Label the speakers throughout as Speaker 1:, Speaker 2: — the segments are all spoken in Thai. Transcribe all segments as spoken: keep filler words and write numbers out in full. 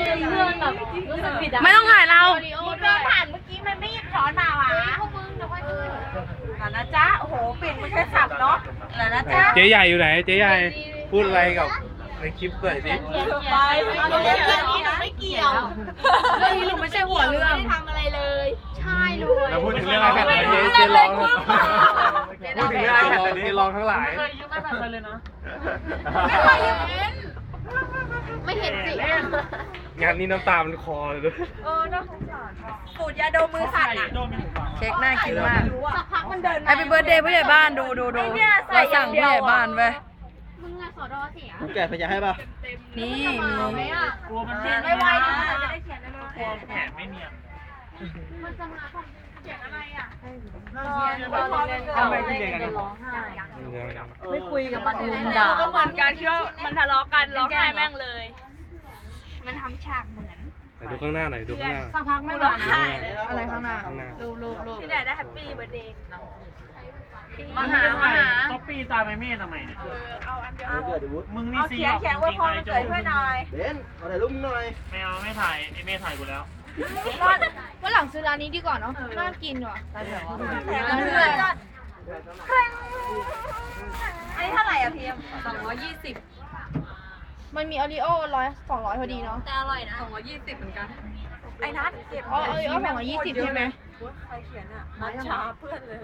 Speaker 1: เพื่อนแบบรู้สึกผิดอะ
Speaker 2: ไม่ต้องถ่ายเรา
Speaker 3: มึงเดินผ่านเมื่อกี้มันไม่หยิบช้อนมาวะพวกมึงเดี๋ยวค่อยคืนหลานนะจ๊ะโอ้โหปิ่นไม่ใช่สับเนาะหลานนะจ๊ะ
Speaker 4: เจ๊ใหญ่อยู่ไหนเจ๊ใหญ่พูดอะไรกับในคลิปหน่อยสิ
Speaker 3: ไปเอาเรื่องนี้หนูไม่เกี่ยว
Speaker 2: เรื่องนี้หนูไม่ใช่หัวเรื่อง
Speaker 3: ไม่ได้ทำอะไรเลยใช่เลย
Speaker 4: แล้วพูดถึงเรื่องไอแพดไหนเจ๊เจ๊ร้องพูดถึงเรื่องไอแพดไหนเจ๊ร้องทั้งหลาย
Speaker 1: เคยยืมไอแพดไปเลยนะ
Speaker 3: ไม่เคยเห็นไม่เห็นสิ
Speaker 4: งานนี้น้ำตามันคอเลยด้วย
Speaker 3: เออน่าสงสารสูตรยาดมมือสั่นอ่ะ
Speaker 2: เค้กน่ากินมาก
Speaker 3: สักพักมันเดิน
Speaker 2: แฮปปี้เบิร์ดเดย์ผู้ใหญ่บ้านดูดูดูเราสั่งผู้ใหญ่บ้านไป
Speaker 3: มึงอะสอดอเสีย
Speaker 5: แกะพยาให้ป่ะ
Speaker 2: นี่
Speaker 3: มาไหมอ่ะ
Speaker 1: กลัวมัน
Speaker 3: เขียนไม่ไวๆนะจะได้เขียนได้เร็ว
Speaker 1: กลัวแผลไม่เนียน
Speaker 3: มันจะมาของเขียนอะไรอ่ะ
Speaker 1: เอาไปที่เด็กกันร้องไห้ ไม่คุยกับมันเลยด่า
Speaker 3: ก็เหมือนกันที่ว่ามันทะเลาะกันร้องไห้แม่งเลย มันทำฉากเหมือน
Speaker 4: ไหนดูข้างหน้าหน่อยดูข้างหน้า
Speaker 2: สักพักไม่ร้องไห้อะไรข้างหน้า
Speaker 4: ข้างหน้า
Speaker 2: รูปรูปรูป
Speaker 3: ที่ไหนได้แฮปปี้เบิร์ดเดย์
Speaker 1: มาหามาหาต๊อปปี้ตายไปเมฆทำไมเนี่ย
Speaker 3: เอาอันเดียว
Speaker 5: เกิดดิวุฒ
Speaker 1: มึงนี่
Speaker 3: เอา
Speaker 1: ซี
Speaker 3: เขียนเขียนไว้พอมันเกิดเพื่อนหน่อย
Speaker 5: เบนเอาถ่ายรูปมึงหน่อย
Speaker 1: ไม่เอาไม่ถ่ายไอเมฆถ่ายกูแล้ว
Speaker 3: วันหลังซื้อร้านนี้ดีกว่าเนาะน่ากินว่ะแถมเพื่อนอันนี้เท่าไหร่อ่ะพีม
Speaker 2: สองร้อยยี่สิบ
Speaker 3: มันมีโอรีโอร้อยสองร้อยพอดีเนาะแต่อร่อยนะ
Speaker 2: สองร้อยยี่สิบเหมือนกัน
Speaker 3: ไอ้นัทเก็บอ๋อโอรีโอสองร้อยยี่สิบใช่ไหมใครเขียนอ่ะนัทชาเพื่อนเลย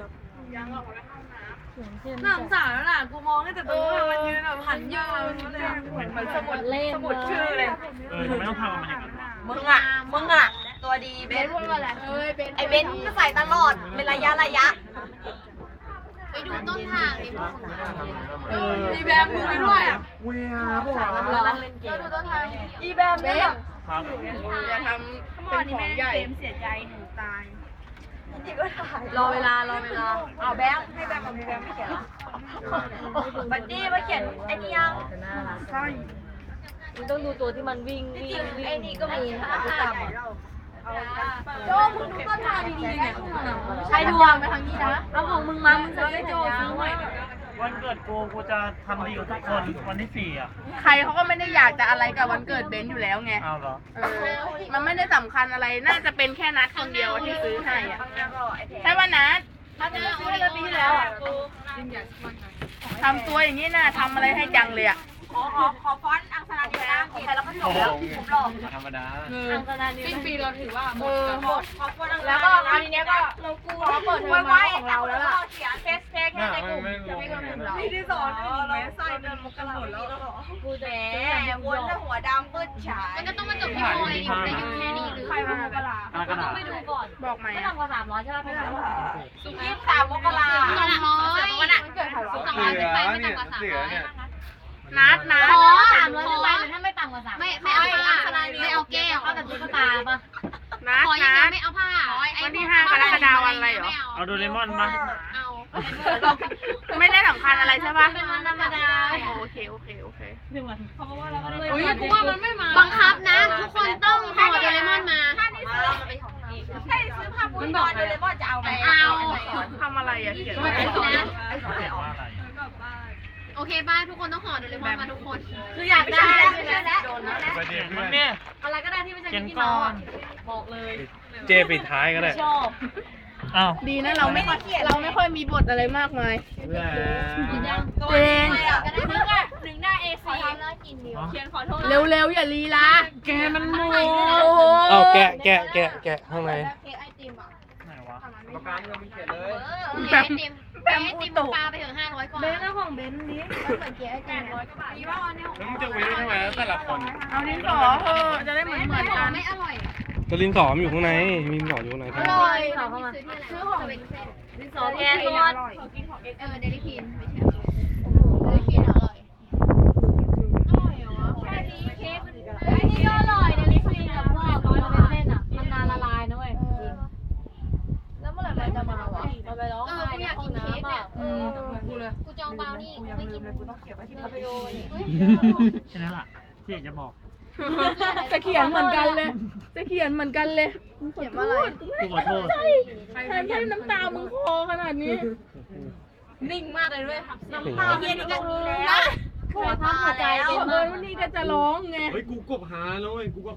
Speaker 2: น่าสงสารแล้วล่ะกูมองได้แต่ตัวมันยืนแบบหันยืนเหมือนสมุดเล่นสมุดชื่อเลย
Speaker 1: เออทำไมต้องทำกับมันอย่างนั้นวะ
Speaker 3: มึงอ่ะมึงอ่ะตัวดีเบนพูดว่าอะไรไอเบนก็ใส่ตลอดเป็นระยะระยะไปดูต้นทางดิ
Speaker 2: มีแบบมือไปด้วย
Speaker 5: เวียพวก
Speaker 2: ร้องเล่นเกม
Speaker 3: ดูต้นทางอีแบบเนี่ย
Speaker 1: ครับ
Speaker 2: อย่าทำเป็นของใหญ่
Speaker 3: เสียใจหนูตายนี่ก็ถ่าย
Speaker 2: รอเวลารอเวลา
Speaker 3: เอาแบงค์ให้แบงค์กับพี่แบงค์ไม่เขียนเหรอบัดดี้มาเขียนไอ้นี่ยัง
Speaker 2: ใช่
Speaker 1: มึงต้องดูตัวที่มันวิ่งวิ่งวิ่ง
Speaker 3: ไอ้นี่ก็มีนะพี่ตามโจมึงดูต้นทางดีๆเนี่ย
Speaker 2: ใช้ดวง
Speaker 3: ไปทางนี้นะ
Speaker 2: เอาของมึงมามึงจะได้โจซื้อใหม่
Speaker 1: วันเกิดกูกูจะทำดีกับทุกคนวันที่สี่อ่ะ
Speaker 2: ใครเขาก็ไม่ได้อยากจะอะไรกับวันเกิดเบนซ์อยู่แล้วไง
Speaker 1: เอาเหรอ
Speaker 2: เออ มันไม่ได้สำคัญอะไร น่าจะเป็นแค่นัดคนเดียวที่ซื้อให้อะใช่ป่ะนัด
Speaker 3: ถ้าจะซื้อให้ปีที่แล้วอ่ะ
Speaker 2: ทำตัวอย่างนี้น่ะทำอะไรให้จังเลยอ่ะ
Speaker 3: ขอขอขอฟอนต์อังสนาดีนะของใครแล้วก็จบแล้วผมหลอก
Speaker 1: ธรรมดา
Speaker 2: อังคณานี้สิ้นปีเราถือว่าหมด
Speaker 3: หมดขอฟอนต์อังแล้วก็อันนี้ก็เรากูขอเปิดเทอมมาของเราแล้วล่ะเขียนเทสเทคในกลุ่มจะไม่กลุ่มเรา
Speaker 2: พี่ที่สอนไม่ใส่เดินมกราหมดแล้ว
Speaker 3: กูแหมวนแต่หัวดำมืดฉายมันก็ต้องมาจบที่โมเลยอยู่ในยุคแค่นี้หรือใครมามกรา
Speaker 1: อะไรกันอ่ะ
Speaker 3: ไปดูก่อน
Speaker 2: บอกไหม
Speaker 3: ไม่ต่ำกว่าสามร้อยใช่ไหมไม่ต่ำกว่ายี่สิบสามมกราสองร้อยวันอ่ะเกิดใครวะสองร้อยขึ้นไปไม่ต่ำกว่าสามร้อย
Speaker 2: นัดนัด
Speaker 3: ขอสามร้อยขึ้นไปถ้าไม่ต่ำกว่าสามไม่ไม่เอาผ้าไม่เอาแก้วเอาแต่ตุ๊กตาป่ะ
Speaker 2: นัด
Speaker 3: ขอยัง
Speaker 2: นั
Speaker 3: ไง
Speaker 2: ด
Speaker 3: ไม่เอาผ้า
Speaker 2: วันที่ห้ากรกฎาคมวันอะไรเหรอ
Speaker 1: เอาโดเรมอนมา
Speaker 3: เอา
Speaker 2: ไม่ได้สำคัญอะไรใช่ป่ะ
Speaker 3: เป็นวันธรรมดา
Speaker 2: โอเคโอเคโอเค
Speaker 3: อุ้ยกูว่ามันไม่มาบังคับนะ ทุกคนต้องห่อโดเรมอนมาถ้าได้ซื้อถ้าได้ซื้อผ้าปูนอนโดเรมอนจะเอาไหมเอา
Speaker 2: ทำอะไรอ่ะเขียน
Speaker 3: ไม่
Speaker 2: ไว้
Speaker 3: เอานะ
Speaker 1: ว่าอะไร
Speaker 3: โอเคบ้านทุกคนต้องห่อโดเรมอนมาทุกคน คืออยากได้แล้วไม่ใช่แล้วโดนแล้ว
Speaker 4: ไปเดี๋ยว
Speaker 1: มันเนี่ย
Speaker 3: อะไรก็ได้ที่ไม่ใช่
Speaker 1: เขียน
Speaker 3: ที่
Speaker 1: ก่
Speaker 3: น้
Speaker 1: อ
Speaker 3: อง
Speaker 1: น
Speaker 3: บอกเลย
Speaker 4: เจปิดท้ายก็ได้
Speaker 3: ชอบ
Speaker 1: อ้าว
Speaker 2: ดีนะเราไม่เราไม่ค่อยมีบทอะไรมากมาย
Speaker 4: แหม
Speaker 2: เจน
Speaker 3: นึกอ่ะหนึ่งหน้า เอ ซี แล้วกินเดียวเขียนขอโทษ
Speaker 2: เร็วๆอย่าลีลาแกมันโม
Speaker 4: เอาแกะแกะแกะแกะข้างใน
Speaker 3: เค้กไอติมอ่ะ
Speaker 1: ไหนวะ
Speaker 5: ประกันเรามีเขียนเลย
Speaker 3: เค้กไอติมเค้กไอติมปลาไปถึงห้าร้อยกว่า
Speaker 2: เบนแล้วของเบนนี้
Speaker 3: ก็เหมือนเค้กไอติมร้อยกว่าบาทมีว่าอันนี้
Speaker 4: แล้วมึงจะเว้นทำไมแต่ละคน
Speaker 2: เอาดินสอเถอะจะได้เหมือนเหมือนกัน
Speaker 3: ไม่อร่อย
Speaker 4: ก็ลิ้นสอมอยู่ข้างในมีลิ้นสออยู่ข้างใน
Speaker 3: อ
Speaker 4: ทั้งหม
Speaker 3: ร่
Speaker 4: ด
Speaker 3: อยซื้อของเป็นเซตดินสอแทนทอดเออเดลิคินไม่ใช่เดลิคินอร่อยอร่อยเหรอแค่นี้เค้กไอ้นี่ก็อร่อยเดลิคินกับพวกมันเป็นเส้นอ่ะมันนานละลายนะเว้ยแล้วเมื่อไหร่มันจะมาวะมันไปร้องไห้ในห้องน้ำอ่ะ
Speaker 2: อืมกูเลย
Speaker 3: กูจองเบานี่ไม่กินกูต้องเก็บไว้ที่คาเฟ่โดน
Speaker 1: แค่นั้นแหละที่อยากจะบอก
Speaker 2: จะเขียนเหมือนกันเลย จะเขียนเหมือนกันเลยเขียนอะไร
Speaker 1: กูขอโทษ
Speaker 2: แทนให้น้ำตามึงคอขนาดนี้ นิ่งมากเลยด้วยน้ำตา
Speaker 3: เย็นกันแล้ว
Speaker 2: โคตรพักหัวใจ
Speaker 3: แล้ว
Speaker 2: เออวันนี้ก็จะร้องไง
Speaker 4: เฮ้ยกูกบหาแล้วเว้ยกูก็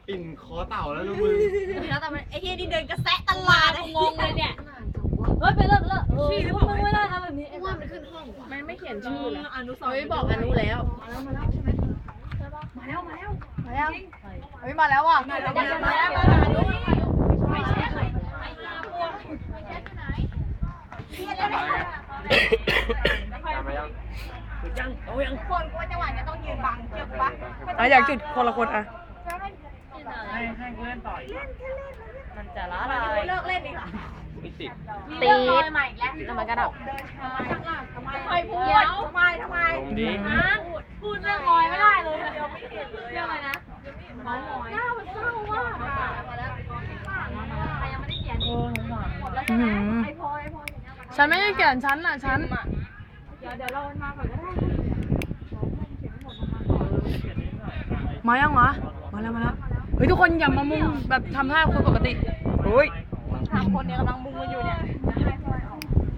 Speaker 4: ปิ่นคอเต่าแล้วลูกมึง
Speaker 3: แล้วแต่มันไอ้เฮียนี่เดินกระแซะตลาดงงเลยเนี่ย
Speaker 1: เฮ้ยไปเลิกเลิกชี้หรือเปล่าไม่ได้ทำแบบนี้
Speaker 3: ว่ามันขึ้นห้อง
Speaker 2: มันไม่เขียนชื่อเหรอ
Speaker 3: อนุสาว
Speaker 2: เฮ้ย
Speaker 3: รีย์
Speaker 2: บอกอนุแล้ว
Speaker 3: มาแล้วมาแล้วใช่ไหมมาแล้วมาแล้วมาแล้วเฮ้ยมาแล้วว่ะมาแล้วมาแล้วมาแล้วไม่ใช่ไม่ใช่ไหนเฮียแล้วคนกลัวจังหวะนี้ต้องยืนบังเจ็บปะ
Speaker 1: อ่ะอยากจุดคนละคนอ่ะ
Speaker 3: มันจะล้าลายเลิกเล่นดีกว่า
Speaker 4: ไม่ติด
Speaker 3: ตีใหม่แล้วทำไมกระดับทำไมทำไมพูดทำไมทำไม
Speaker 4: ลมดี
Speaker 3: พูดเรื่องลอยไม่ได้เลยเดี๋ยวไม่เห็นเลยเรื่องอะไรนะน้องลอยหน้ามันเศร้าว่ะมาแล้วใครยังไม่ได้เขียนหมดแล้วใช่ไหมไอพอยไอพอย
Speaker 1: ฉันไม่ได้เขียนฉันอ่ะฉัน
Speaker 3: เดี๋ยวเดี๋ยวเรามาก่อนก็ได้
Speaker 1: มายังวะมาแล้วมาแล้วเฮ้ยทุกคนอย่ามามุงแบบทำท่าคนปกติโอ้ย
Speaker 3: สามคนเนี่ยกำลังมุงกันอยู่เนี่ยให้พอยอ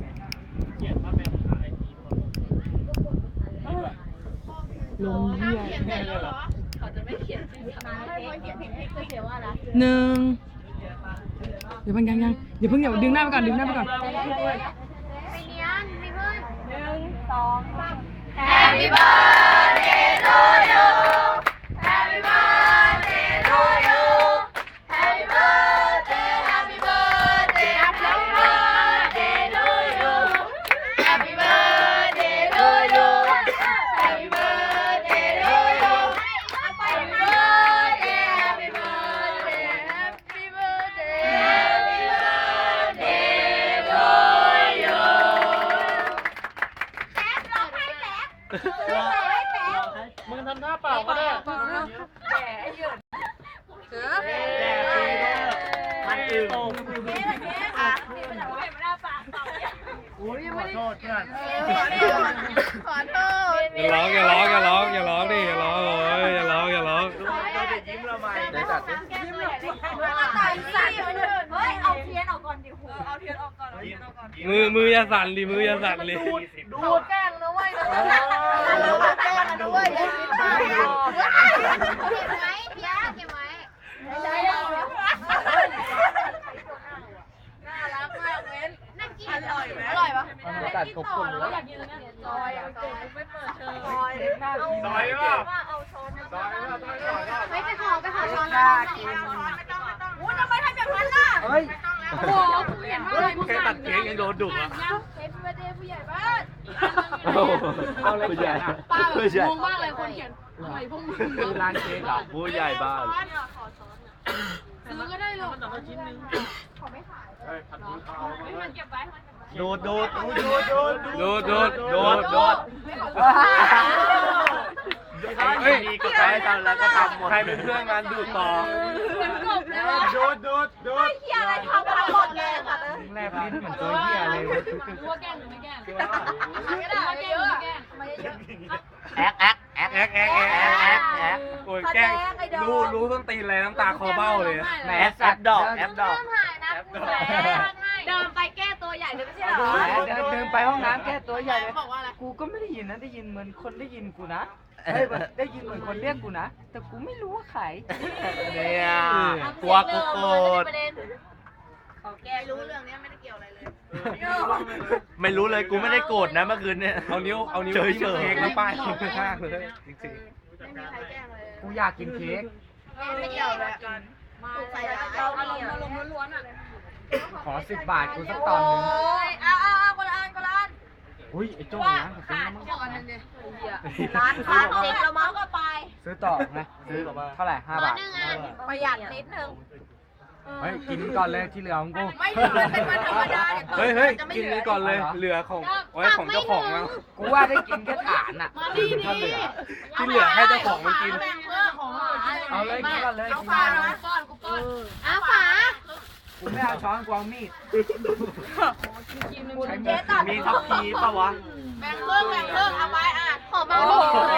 Speaker 3: อก
Speaker 1: ลงเหี้ย
Speaker 3: เขียนเสร็จแล้วเหรอเขาจะไม่เขียนชื่อมาให้พอยเขียนเพลงพิกเขียนว่าอะไร
Speaker 1: หนึ่งเดี๋ยวมันยังยังอย่าเพิ่งอย่าดึงหน้าไปก่อนดึงหน้าไปก่อน
Speaker 3: ไปเนียนมีเพื่อนหนึ่งสองสาม Happy birthday to you Happy birthday to you Happy birthday Happy birthday Happy birthday to you Happy birthday to you Happy birthday to you Happy birthday Happy birthday Happy birthday Happy birthday to you แป๊บร้องให้แป๊บร้องให้แป๊บ
Speaker 4: มึงทำหน้าเปล่าก็ได้
Speaker 3: แก่หยุดเสือ
Speaker 4: แดดดีเด้อมันอึ่ง
Speaker 3: เก๊เก๊อ่ะนี่มันเอาไว้ไม่ได้ปากเปล่าเนี่ย
Speaker 4: อุ้ยขอโทษเพื่อน
Speaker 3: ขอโทษ
Speaker 6: อย่าร้องอย่าร้องอย่าร้องอย่าร้องดิอย่าร้องเอ้ยอย่าร้องอย่าร้อง
Speaker 4: เราจะยิ้มเราใหม่เดี๋ยวจัดดิ
Speaker 3: ยิ้มเลยว่าตายสั่นเฮ้ยเอาเทียนออกก่อนดิหูเอาเทียนออกก่อนเอาเทียนออกก่อน
Speaker 6: มือมืออย่าสั่นดิมืออย่าสั่นดิ
Speaker 3: ดูแกล้งนะเว้ยดูแกล้งนะเว้ยเก็บไว้เพียเก็บไว้ไม่ใช่น่ารักมากเว้นน่ากินอร่อยไหมอร่อยปะ
Speaker 4: ตัดขบคุณแล้ว
Speaker 3: อยากกินเนี่ยซอยอ่ะไม่เปิดเชิญซอย
Speaker 4: ซอยป่ะ
Speaker 3: ว่าเอาช้อน
Speaker 4: ซอยป่ะซอยก่อนก็
Speaker 3: ไม่ไปขอไปขอช้อนนะไม่ต้องไม่ต้องอู้ทำไมทำแบบนั้นล่ะ
Speaker 4: เฮ้ย
Speaker 3: โอ้โหเขียนว่าอะไร
Speaker 4: แค่ตัดเค้กยังโดนดุอ่ะ
Speaker 3: เฮ้ยพี่เบอร์เดย์ผู้ใหญ่บ้าน
Speaker 4: เอาเลยใหญ่
Speaker 1: ป้าแบบงงมากเลยคนเขียนอะไรพวกมึง
Speaker 4: คือร้านเค้กอ่ะผู้ใหญ่บ้าน
Speaker 1: ซื้อก็ได้หรอก
Speaker 4: โดดโดดโดดโดด
Speaker 6: โดดโดด
Speaker 4: โดดโดดเฮ้ยก็ใครทำแล้วก็ทำหมดใครเป็นเพื่อนงานดูต่อโดดโดดโดด
Speaker 3: เฮียอะไรทำทั้งหมดเลยค่ะเลย
Speaker 4: แลบลิ้นเหมือนตัวเหี้ยเลย
Speaker 1: รู้ว่าแกล้งหรือไม่แกล้ง
Speaker 3: ไม่ได้เยอะไม่เยอะ
Speaker 4: แอ๊กแอ๊กแอ๊ก
Speaker 6: แอ๊กแอ๊กแอ๊ก
Speaker 4: แอ๊กแอ๊ก
Speaker 6: โอ้ยแกล้งรู้รู้ต้นตีนอะไรน้ำตาคอเบ้าเลย
Speaker 4: แหมแอปดอกแอปดอก
Speaker 3: ถ่ายนะเดินไปแก้ตัวใหญ่เลยไม่ใช่เหรอ
Speaker 5: เดินเดินไปห้องน้ำแก้ตัวใหญ่เลย
Speaker 3: บอกว่าอะไร
Speaker 5: กูก็ไม่ได้ยินนะได้ยินเหมือนคนได้ยินกูนะเฮ้ยแบบได้ยินเหมือนคนเรียกกูนะ แต่กูไม่รู้ว่าใคร
Speaker 4: เนี่ยกลัวกูโกรธ
Speaker 3: เขาแกรู้เรื่องนี้ไม่ได้เกี่ยวอะไรเลย
Speaker 4: ไม่รู้เลยกูไม่ได้โกรธนะเมื่อคืนเนี่ย
Speaker 6: เอานิ้วเอานิ้ว
Speaker 4: เฉย
Speaker 6: จิ้ม
Speaker 4: ๆ
Speaker 6: เค้กแล้วป้ายข้างๆเลยจริง
Speaker 3: ไม่มีใครแกล้งเลย
Speaker 5: กูอยากกินเค้ก
Speaker 3: ไม่เกี่ยวเลยถูกใส่ร้ายอารมณ์อารมณ์ล้วนๆอ่ะ
Speaker 5: ขอสิบบาทกูสักตอนหนึง
Speaker 3: โอ้ยเอาเอาเอาคนละอันคนละอัน
Speaker 5: อุ้ยไอ้โจ้
Speaker 3: ว่า
Speaker 5: นะ
Speaker 3: ขาดก่อนนึงดิร้านค้าเด็กเราเมาส์ก็ไป
Speaker 5: ซื้อต่อนะซื้อเท่าไหร่ห้าบาท
Speaker 3: ประหยัดนิดนึง
Speaker 5: เฮ้ยกินก่อนเลยที่เหลือของกู
Speaker 3: ไม่ถึงเป็นวันธรรมดา
Speaker 6: ๆเฮ้ยเฮ้ยกินนี้ก่อนเลยเหลือของไว้ของเจ้าของแล้ว
Speaker 5: กูว่าได้กินแค่ฐานอ่ะถ้าเหลือ
Speaker 6: ที่เหลือให้เจ้าของมันกิน
Speaker 5: เอาเลยกินก่อนเลย
Speaker 3: เอา
Speaker 5: กิน
Speaker 3: ฝา
Speaker 5: ก่อน
Speaker 3: น้อยก้อนกูก้อนเอาฝา
Speaker 5: กูไม่เอาช้อนกูเอามีด
Speaker 3: เจ๊ตัด
Speaker 4: มีทัพพีป่ะวะ
Speaker 3: แบ่งเพิ่มแบ่งเพิ่มเอาไว้อ่ะขอเบาดิ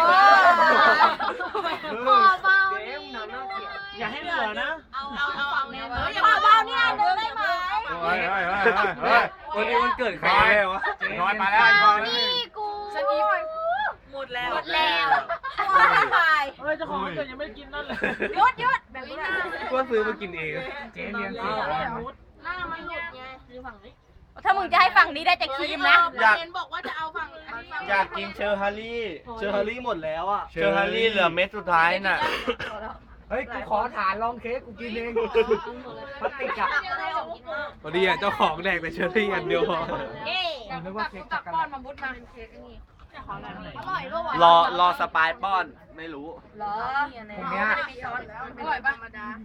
Speaker 3: ขอเบาดิ
Speaker 4: อย่าให้เหลือนะ
Speaker 3: เอาเอาเอาฝั่งนี้เอออย่าขอเบาเนี่ยนึงได้ไหม
Speaker 6: เฮ้ยเฮ้ยเฮ้ยเฮ้ยวันนี้วันเกิดใครเนี่ยวะ
Speaker 4: น้อยมาแล้ว
Speaker 3: เอานี่กูฉันอีหมดแล้วหมดแล้ว
Speaker 5: เฮ้ยเจ้าของวันเกิดยังไม่ได้กินนั่นเลย
Speaker 3: หยุดหยุดแบบนี้
Speaker 6: ก็ซื้อมากินเอง
Speaker 5: เจ๊เลี้ยงสิ
Speaker 2: หน้ามันหลุดไง
Speaker 3: ถ้ามึงจะให้ฝั่งนี้ได้แต่ครีมนะ
Speaker 2: อยากเห็นบอกว่าจะเอาฝั่งอันนี้ฝั่ง
Speaker 4: อยากกินเชอร์ฮารี่เชอร์ฮารี่หมดแล้วอ่ะ
Speaker 6: เชอร์ฮารี่เหลือเม็ดสุดท้ายน่ะ
Speaker 5: เฮ้ยกูขอฐานลองเค้กกูกินเองพลาสติกอะ
Speaker 6: พอดีอ่ะเจ้าของแดกแต่เชอร์รี่อันเดียวพอ
Speaker 3: เย้
Speaker 5: ผมนึกว่าเค้กช็อกโกแลต
Speaker 3: อร่อยด้วยว่ะ
Speaker 4: รอรอสปายป้อนไม่รู้
Speaker 3: เหรอ
Speaker 5: ผมเนี้ย
Speaker 2: อร่อยปะ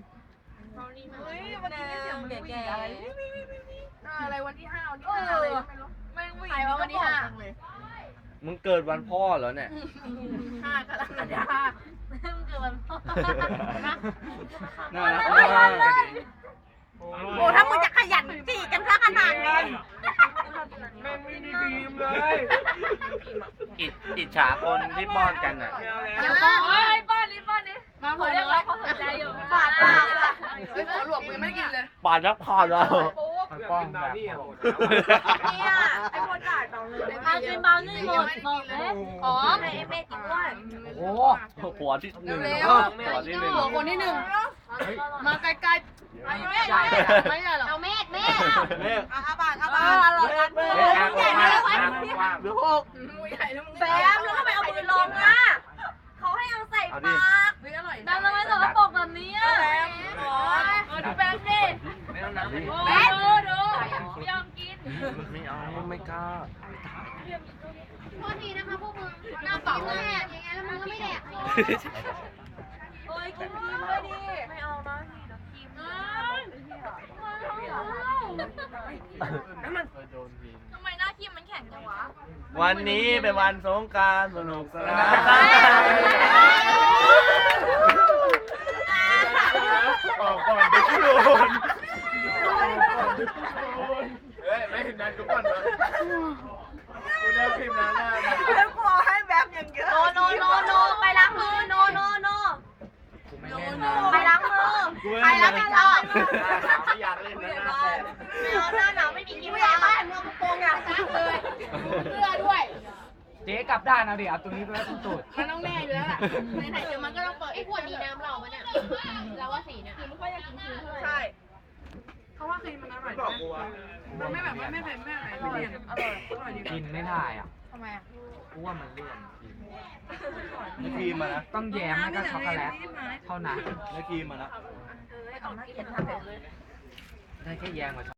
Speaker 3: แก่
Speaker 2: อะไรวันที่ห้าวันที่ห้าอะไรก็ไม่รู้
Speaker 3: ใครว่าวันที่ห้า
Speaker 4: มึงเกิดวันพ่อเหรอเนี่ย
Speaker 2: ห้ากรกฎาคม
Speaker 3: คือมัน
Speaker 4: น่ารักมาก
Speaker 3: โอ้ถ้ามึงจะขยันจีกันซะขนาดนี้
Speaker 5: แม่งไม่ได้บีมเลย
Speaker 4: อิจอิจฉาคนที่ป้อนกันอ่ะ
Speaker 3: เดี๋ยวป้อนเฮ้ยป้อนนี่ป้อนนี่มาขอเรียกร้องความสนใจอยู่ปาดปาด
Speaker 2: เฮ้ยหัวหลวกมึงยังไม่ได้กินเลย
Speaker 4: ปานนักพอแล้ว
Speaker 5: มันป้องแบบ
Speaker 3: เนี่ยไอ้คนจ่ายต่อเลยมากินเบาหนึ่งหมดบอกเลยอ๋อให้ไอ้เมฆกินด้วย
Speaker 5: โอ้
Speaker 4: หัวที่หนึ่ง
Speaker 2: เร็ว
Speaker 4: หัวที่หนึ่ง
Speaker 2: หัวคนที่หนึ่งมาใกล้ๆไอ้แม่ไม่ใช่หรอ
Speaker 3: เอาเมฆเมฆ
Speaker 4: เมฆ
Speaker 2: อาบานอา
Speaker 3: เอบ
Speaker 2: าน
Speaker 3: อเรากันมือใหญ่เลย
Speaker 4: เดี๋ยวหก
Speaker 2: มือใหญ่แล้วมึง
Speaker 3: แบมแล้วทำไมเอามือลงอ่ะเขาให้เอาใส่ปากแบมทำไมสกปรกแบบนี้อ่ะแบมอ๋อดูแบมดิ
Speaker 4: ไม่ต้องนับ
Speaker 3: แบมดูดูไม่ยอมกิน
Speaker 4: ไม่เอาไม่กล้า
Speaker 3: โทษทีนะคะพวกมึงหน้าเปล่าเลยอย่างเงี้ยแล้วมึงก็ไม่แดกโอ้ยกินครีมด้วยดิไม่เอานะนี่เดี๋ยวครีมทำไมหน้าครีมมันแข็งจังวะ
Speaker 4: วันนี้เป็นวันสงกรานต์สนุกสนานออกก่อนเดี๋ยวกูโดนเฮ้ยไม่ถึงนั้นกูก่อนนะกูได้พิมพ์นะหน้า
Speaker 3: โนโนโนโนไปล้างมือโนโนโนไปล้างมือใครรับผิดชอบ
Speaker 4: ไม่อยากเล่นนะหน้าแตก
Speaker 3: ไม่เอาหน้าหนาวไม่มีกินไม่ได้เมืองโกงอ่ะซักเลยเสื้อด้วย
Speaker 5: เจ๊กลับด้านเอาดิเอาตัวนี้ไปไว้ตรงตูด
Speaker 2: มันต้องแน่อยู่แล้วแหละไหนๆเดี๋ยวมันก็ต้องเปิด
Speaker 3: ไอ้ขวดนี้น้ำเราปะเนี่ยเราว่าสีเนี่ย
Speaker 2: ใช่เขาว่าครีมมันอร่อยมันไม่แบบไม่ไม่เป็นไม่อะไรไม่เลี่ยนอร่อยอร่อยดี
Speaker 5: กินไม่ได้อ่ะ
Speaker 2: ทำไมอ่ะ
Speaker 5: กูว่ามันเลี่ยน
Speaker 4: ไม่ครีมมานะ
Speaker 5: ต้องแยมแล้วก็ช็อกโกแลตเท่านั้น
Speaker 4: ไม่ครีมมานะ
Speaker 5: ได้แค่แยมกับช็อก